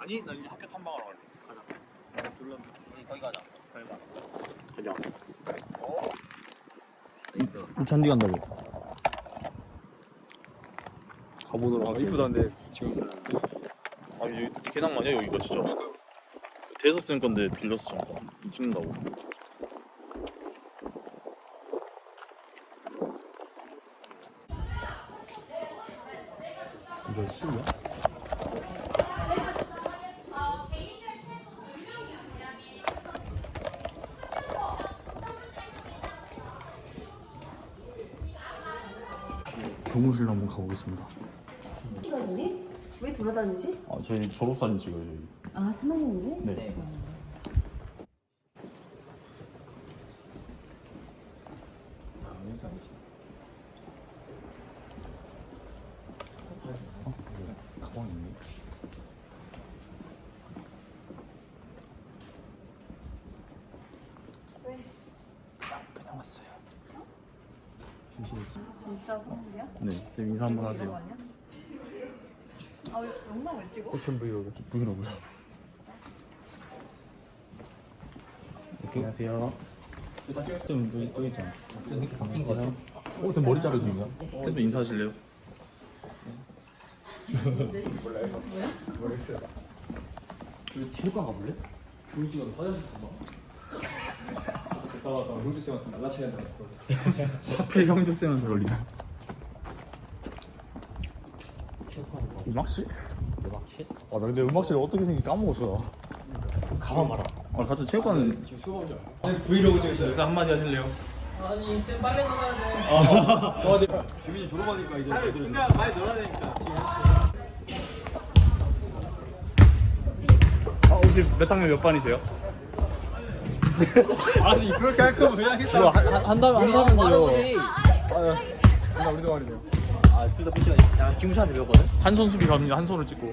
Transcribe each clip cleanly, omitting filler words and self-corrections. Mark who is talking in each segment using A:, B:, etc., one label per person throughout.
A: 아니 나 이제 학교 탐방하러 갈래. 가자. 졸라. 거기 가자. 가자.
B: 잔디 간다고.
A: 가보도록 하겠습니다.
B: 이쁘다는데 지금
A: 아니 여기 개낭 마냐 여기가 진짜. 대서 쓰는 건데 빌렸어 잠깐. 찍는다고.
B: 이거 실이야? 교무실로 한번 가보겠습니다.
C: 시간이니? 왜 돌아다니지?
B: 아, 저희 졸업사진 찍어요. 저희.
C: 아, 3학년이네?
B: 네. 가방 있네.
C: 왜?
B: 그냥 왔어요. 심심했어.
C: 진짜 선물이야?
B: 네, 쌤 인사 한번 하세요.
C: 아니야? 아, 영상 왜 찍어?
B: 꽃천 브이로그. 브이로그요. 안녕하세요. 쌤 또 있잖아. 바뀐 거 같아. 오, 쌤 머리 자르시는 거야? 쌤도 인사하실래요?
D: 모르겠어요. 그 체육관 가볼래? 조이지가 화장실 가봐. 갔다 왔다 형주 쌤한테 날라쳐야 된다.
B: 하필 형주 쌤한테 걸리나? 음악실?
D: 음악실?
B: 아, 나 근데 음악실 어떻게 생긴 까먹었어.
D: 가만 봐라.
B: 아, 같은 체육관은
D: 지금 수업이죠. 브이로그 찍었어요.
B: 여기서 한마디 하실래요?
E: 아니 쌤 빨리 놀아야 돼.
D: 규민이 졸업하니까 이제 애들은
E: 많이 놀아야 되니까.
B: 혹시 몇 학년 몇 반이세요?
D: 아니 그렇게 할 거면 그냥 했다.
B: 이거 한다면서요.
D: 나 우리도 말이네요.
E: 둘다 피시가 야 김우시한테 배웠거든.
B: 한 손 수비 갑니다. 한 손을 찍고.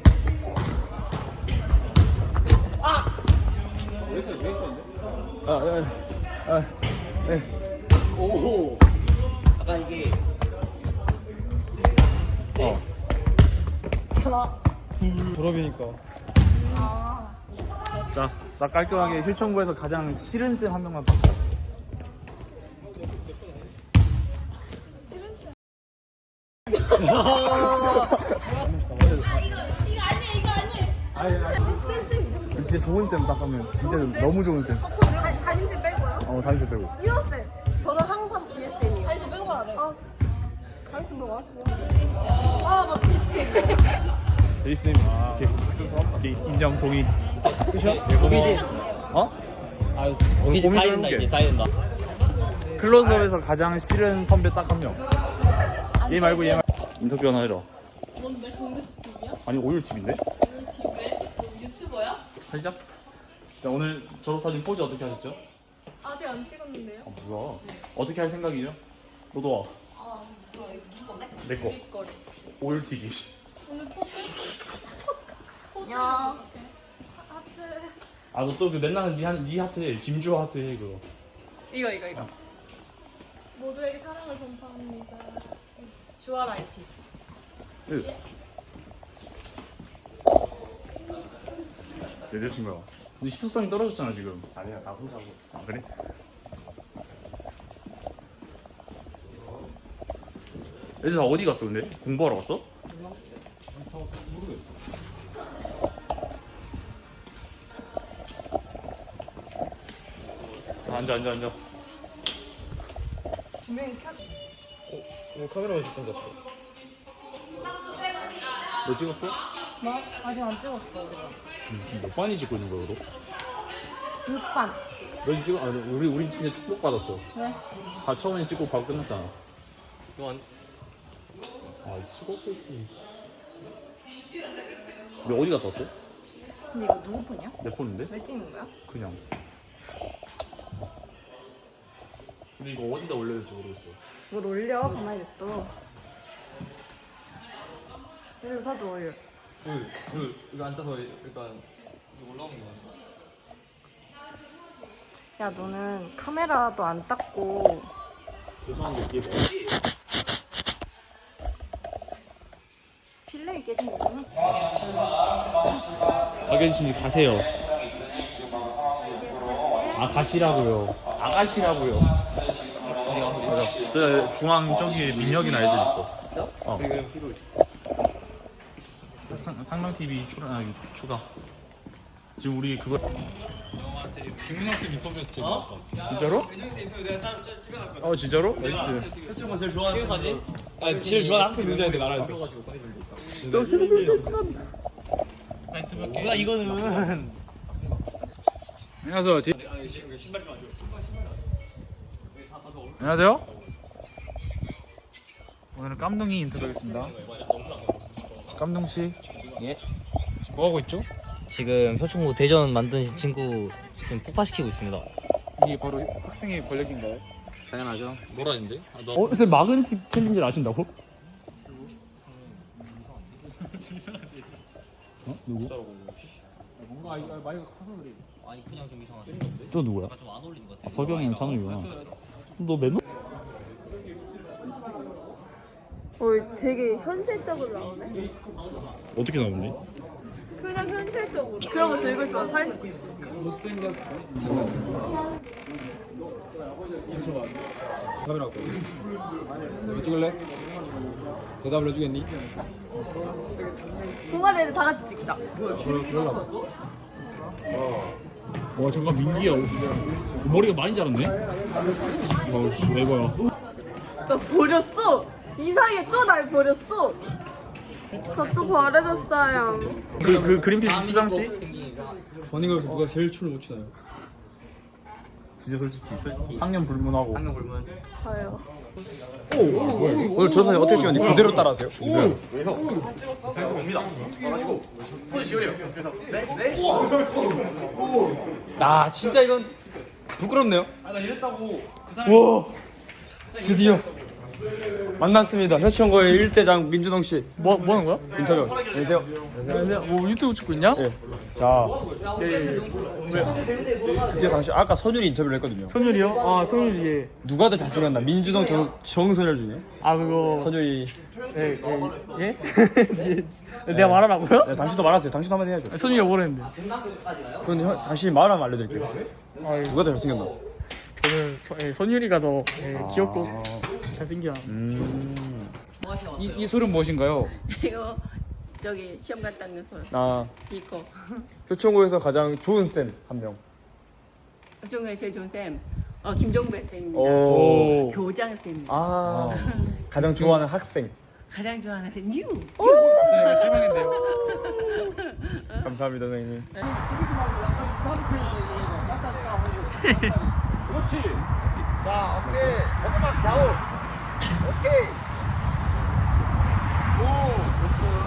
E: 오. 아까 이게
D: 졸업이니까.
B: 자, 나 깔끔하게 힐청구에서 가장 싫은 쌤 한 명만 바꿔. 진짜 좋은 쌤 딱 하면 진짜 너무 좋은 쌤.
C: 담임쌤 빼고요?
B: 담임쌤 빼고.
C: 이호쌤! 저는 항상 GSM이에요. 담임쌤 빼고 말해. 담임쌤 뭐 왔어요? 아, 맞다. GSM.
B: 데이스님. 오케이. 인정 동의. 끝이야?
E: 고기지.
B: 어?
E: 아유
B: 고민 좀
E: 다 된다
B: 해볼게.
E: 이제 다 된다.
B: 클로즈업에서 가장 싫은 선배 딱 한 명. 얘 말고 얘 말고. 인터뷰 하나 해라.
F: 뭔데? 공대스틱이야?
B: 아니 오일팁인데?
F: 왜? 유튜버야?
B: 살짝? 자, 오늘 졸업사진 포즈 어떻게 하셨죠?
F: 아직 안 찍었는데요?
B: 아 뭐야? 어떻게 할 생각이죠? 너도 와. 내 거.
F: 거리.
B: 오일튀기.
F: 오늘 포즈.
C: 야.
F: 하트.
B: 아 너 또 그 맨날 네 하트 해. 김주호 하트 해 그거.
F: 이거. 모두에게 사랑을 전파합니다. 주아라이티.
B: 내 여자친구야. 근데 희소성이 떨어졌잖아 지금.
D: 아니야 나 혼자고.
B: 아 그래? 애들 다 어디 갔어 근데? 공부하러 갔어?
D: 모르겠어.
B: 자, 앉아.
C: 분명히 켜.
D: 오늘 카메라만 시청 잡고.
B: 너 찍었어?
C: 뭐? 아직 안 찍었어, 우리가.
B: 지금 몇 반이 찍고 있는 거야 너?
C: 6반.
B: 너 찍어? 아니 우리 진짜 축복 받았어.
C: 왜?
B: 다 처음에 찍고 바로 끝났잖아.
E: 이건
B: 아 찍었고 있지. 너 어디 갔다 왔어?
C: 근데 이거 누구 폰이야?
B: 내 폰인데?
C: 왜 찍는 거야?
B: 그냥. 근데 이거 어디다 올려야 될지 모르겠어.
C: 뭘 올려? 가만히 냅둬. 일로 사줘, 오일.
D: 이거 앉아서 일단 이거 올라오는 거.
C: 야, 너는 카메라도 안 닦고
B: 죄송한데 이게 뭐지?
C: 필름 플레이 깨진 거구나.
B: 아가씨 가세요. 아가씨라고요. 아가씨라고요.
A: 저 중앙 저기 민혁이나 애들 있어.
E: 진짜?
A: 어.
E: 지금 끼고 있어.
A: 상랑 TV 추가. 지금 우리 그거
B: 김민혁 쌤 인터뷰에서 제일
E: 어?
A: 진짜로? 어 진짜로? 나이스.
E: 혜충가 제일 좋아하는 사진? 아니 제일 좋아하는 학생 누구한테 나라에서. 뭐야 이거는.
A: 안녕하세요. 안녕하세요. 오늘은 깜둥이 인터뷰하겠습니다. 깜둥 씨.
G: 예.
A: 뭐 하고 있죠?
G: 지금 표충고 대전 만드신 친구 지금 폭파시키고 있습니다.
A: 이게 바로 학생의 권력인가요?
G: 당연하죠.
B: 뭐라는데? 쌤 막은 팀인 줄 아신다고? 누구?
G: 아니 그냥 좀 이상하네.
B: 또 누구야?
G: 약간 좀 안 어울리는 것 같아.
B: 석영이랑 찬우이구나. 너 맨날
C: 되게 현실적으로 나오네.
B: 어떻게 나오니?
C: 그냥 현실적으로. 그런 거 들고 있으면 사진 찍고 싶어.
D: 카메라 갖고 왜 찍을래? 대답을 해주겠니?
C: 동아리 애들 다 같이 찍자.
B: 와 잠깐 민기야. 머리가 많이 자랐네. 어씨 에버야.
C: 너 버렸어. 이상해 또 날 버렸어. 저 또 버려졌어요.
A: 그 그린피스 수장 씨?
D: 버닝걸에서 누가 제일 춤을 못 추나요?
A: 진짜 솔직히 학년 불문하고.
G: 한명 불문.
C: 저요.
D: 오늘 저 사진 어떻게 찍었니? 그대로 따라하세요. 아 진짜 이건 부끄럽네요.
E: 아나 이랬다고.
D: 와 드디어 만났습니다. 효천고의 일대장 민준홍 씨
B: 뭐 하는 거야?
D: 인터뷰. 안녕하세요.
B: 안녕하세요. 뭐 유튜브 찍고 있냐?
D: 예. 자 드디어 당신 아까 선율이 인터뷰를 했거든요.
B: 선율이요? 아 선율이 예.
D: 누가 더 잘생겼나? 민준홍 정선율 중에
B: 아 그거
D: 선율이.
B: 예? 내가 말하라고요?
D: 네, 당신도 말하세요. 당신도 한마디 해야죠.
B: 선율이가 뭐랬는데?
D: 그건 당신이 말하면 알려드릴게요. 누가 더 잘생겼나?
B: 저는 선율이가 더 귀엽고 잘생겨. 이 소리는 무엇인가요?
H: 이거 저기 시험 갔다 온 소리
D: 아
H: 이거
D: 효천고에서 가장 좋은 쌤 한 명.
H: 중에 제일 좋은 쌤 김종배 쌤입니다.
D: 오.
H: 교장 쌤입니다.
D: 아 가장 좋아하는 학생.
H: 가장 좋아하는 쌤 뉴.
B: 실망인데요.
D: 감사합니다 선생님.
I: 그렇지. 자, 오케이. 조금만 좌우. 오케이. 오, 됐어.